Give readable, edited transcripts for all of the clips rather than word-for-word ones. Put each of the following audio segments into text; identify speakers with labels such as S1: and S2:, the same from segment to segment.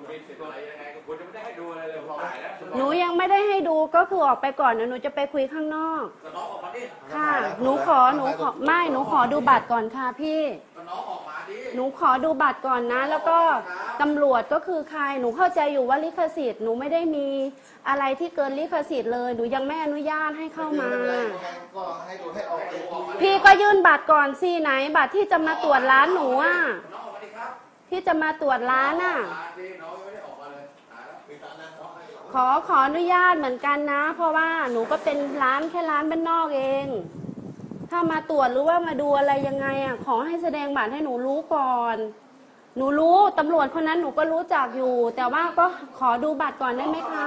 S1: มีสิทธิ์อะไรยังไงคุณจะไม่ได้ให้ดูอะไรเลยผมถ่ายแล้ว
S2: หนูยังไม่ได้ให้ดูก็คือออกไปก่อนนะหนูจะไปคุยข้างนอก
S1: น้องออกมาดิ
S2: ค่ะหนูขอไม่หนูขอดูบัตรก่อนค่ะพี่
S1: น้องออกมาดิ
S2: หนูขอดูบัตรก่อนนะแล้วก็ตำรวจก็คือใครหนูเข้าใจอยู่ว่าลิขสิทธิ์หนูไม่ได้มีอะไรที่เกินลิขสิทธิ์เลยหนูยังไม่อนุญาตให้เข้ามาพี่ก็ยื่นบัตรก่อนสิไหนบัตรที่จะมาตรวจร้านหนูอ่ะที่จะมาตรวจร้านอ่ะขออนุญาตเหมือนกันนะเพราะว่าหนูก็เป็นร้านแค่ร้านบ้านนอกเองถ้ามาตรวจหรือว่ามาดูอะไรยังไงอ่ะขอให้แสดงบัตรให้หนูรู้ก่อนหนูรู้ตำรวจคนนั้นหนูก็รู้จักอยู่แต่ว่าก็ขอดูบัตรก่อนได้ไหมคะ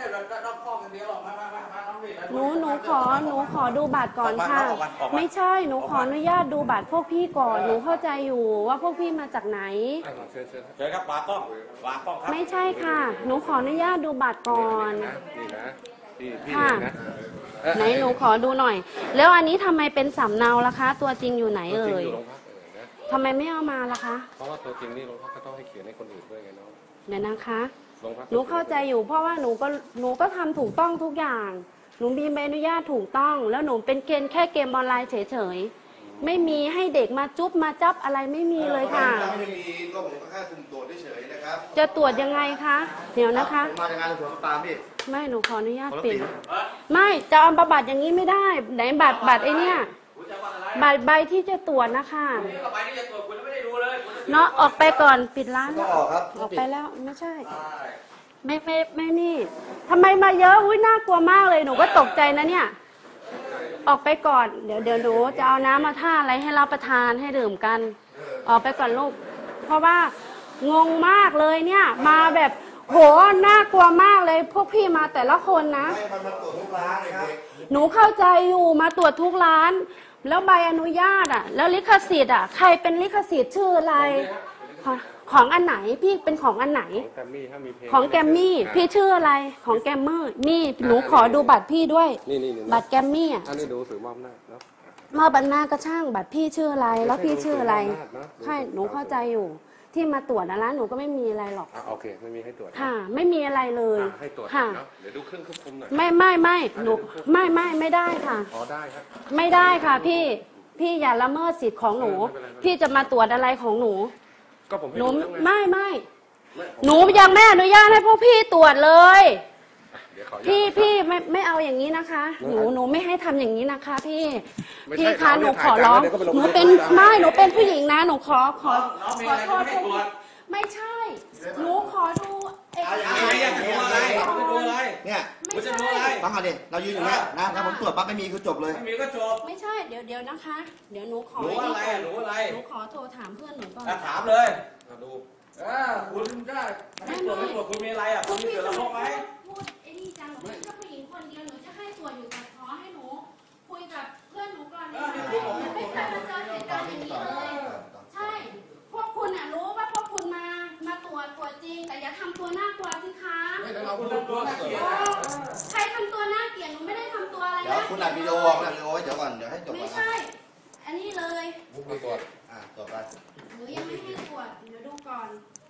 S2: หนูขอดูบัตรก่อนค่ะไม่ใช่หนูขออนุญาตดูบัตรพวกพี่ก่อนหนูเข้าใจอยู่ว่าพวกพี่มาจากไหน
S1: เชิญครับวางกล้องครับ
S2: ไม่ใช่ค่ะหนูขออนุญาตดูบัตรก่อนค่ะไหนหนูขอดูหน่อยแล้วอันนี้ทำไมเป็นสำเนาล่ะคะตัวจริงอยู่ไหนเอ่ยทำไมไม่เอามาล่ะคะ
S3: เพราะว่าตัวจริงนี่โรงพักก็ต้องให้เขียนให้คนอื่นด้วยไงน้อง
S2: เดี๋ยวนะคะหนูเข้าใจอยู่เพราะว่าหนูก็ทำถูกต้องทุกอย่างหนูมีใบอนุญาตถูกต้องแล้วหนูเป็นแค่เกมออนไลน์เฉยๆไม่มีให้เด็กมาจุ๊บมาจับอะไรไม่มีเลยค่ะ
S4: ไม่มีก็ผมก็แค่สุ่มตรวจเฉยๆนะครับ
S2: จะตรวจยังไงคะเดี๋ยวนะคะ
S4: มาจากงานตรวจปามพี่
S2: ไม่หนูขออนุญาตปิดไม่จะเอาบัตรอย่างนี้ไม่ได้ไหนบัตรไอเนี้ยบัตรใบที่จะตรวจนะคะเนาะออกไปก่อนปิดร้าน
S4: ก็ออกครับ
S2: ออกไปแล้วไม่ใช่ไม่นี่ทำไมมาเยอะอุ้ยน่ากลัวมากเลยหนูก็ตกใจนะเนี่ยออกไปก่อนเดี๋ยวหนูจะเอาน้ำมาท่าอะไรให้รับประทานให้ดื่มกันออกไปก่อนลูกเพราะว่างงมากเลยเนี่ยมาแบบโหน่ากลัวมากเลยพวกพี่มาแต่ละคนนะหนูเข้าใจอยู่มาตรวจทุกร้านแล้วใบอนุญาตอ่ะแล้วลิขสิทธิ์อ่ะใครเป็นลิขสิทธิ์ชื่ออะไรของอันไหนพี่เป็นของอันไหนของแกมมี่พี่ชื่ออะไรของแกมเมอร์นี่หนูขอดูบัตรพี่ด้วยบัตรแกมมี่อ่ะ
S3: อันนี้ดูสื่อมอบหน้าเนาะ
S2: มอบหน้าก็ช่างบัตรพี่ชื่ออะไรแล้วพี่ชื่ออะไรใช่หนูเข้าใจอยู่ที่มาตรวจนะร้านหนูก็ไม่มีอะไรหรอก
S3: โอเคไม่มีให้ตรวจ
S2: ค่ะไม่มีอะไรเลย
S3: ให้ตรวจ
S2: ค่ะ
S3: เดี๋ยวดูเครื่องควบคุมหน่อย
S2: ไม่หนูไม่ได้ค่ะ
S3: อ๋อได้ครับ
S2: ไม่ได้ค่ะพี่อย่าละเมิดสิทธิ์ของหนูพี่จะมาตรวจอะไรของหนู
S3: ก็ผม
S2: หนูไม่หนูยังไม่อนุญาตให้พวกพี่ตรวจเลยพี่ไม่เอาอย่างนี้นะคะหนูไม่ให้ทำอย่างนี้นะคะพี่คะหนูขอร้องหนูเป็นผู้หญิงนะหนูขอโทษไม่ใช่หนูขอดู
S4: เนี่ยฟังมาดิเรายืนอย่างนี้นะถ้าผมตรวจปั๊บไม่มีคือจบเลย
S1: ไม่มีก็จบ
S2: ไม่ใช่เดี๋ยวนะคะเดี๋ยวหนูขอ
S1: หนู
S2: ขอโทรถามเพื่อนหนูก่อน
S1: ถามเลยดูคุณก็ไม่ตรวจคุณมีอะไรอ่ะคุณมีเสือละพกไหม
S2: พูดไอ้นี่จังหนูเป็นแค่ผู้หญิงคนเดียวหนูจะให้ตรวจอยู่แต่ขอให้หนูคุยกับเพื่อนหนูก่อนไม่เคยมาเจอเหตุการณ์อย่างนี้เลยใช่พวกคุณรู้ว่าพวกคุณมาตรวจจริงแต่อย่าทำตัวน่ากลัวสิคะใครทำตัวน่าเกลียดหนูไม่ได้ทำตัวอะไรนะ
S4: เดี๋ยวคุณอัดวิดีโอไว้เดี๋ยวก่อนเดี๋ยวให้จบ
S2: ไม่ใช่อันนี้เลย
S4: ตรวจตรวจไป
S2: หนูยังไม่ให้ตรวจเดี๋ยวดูก่อน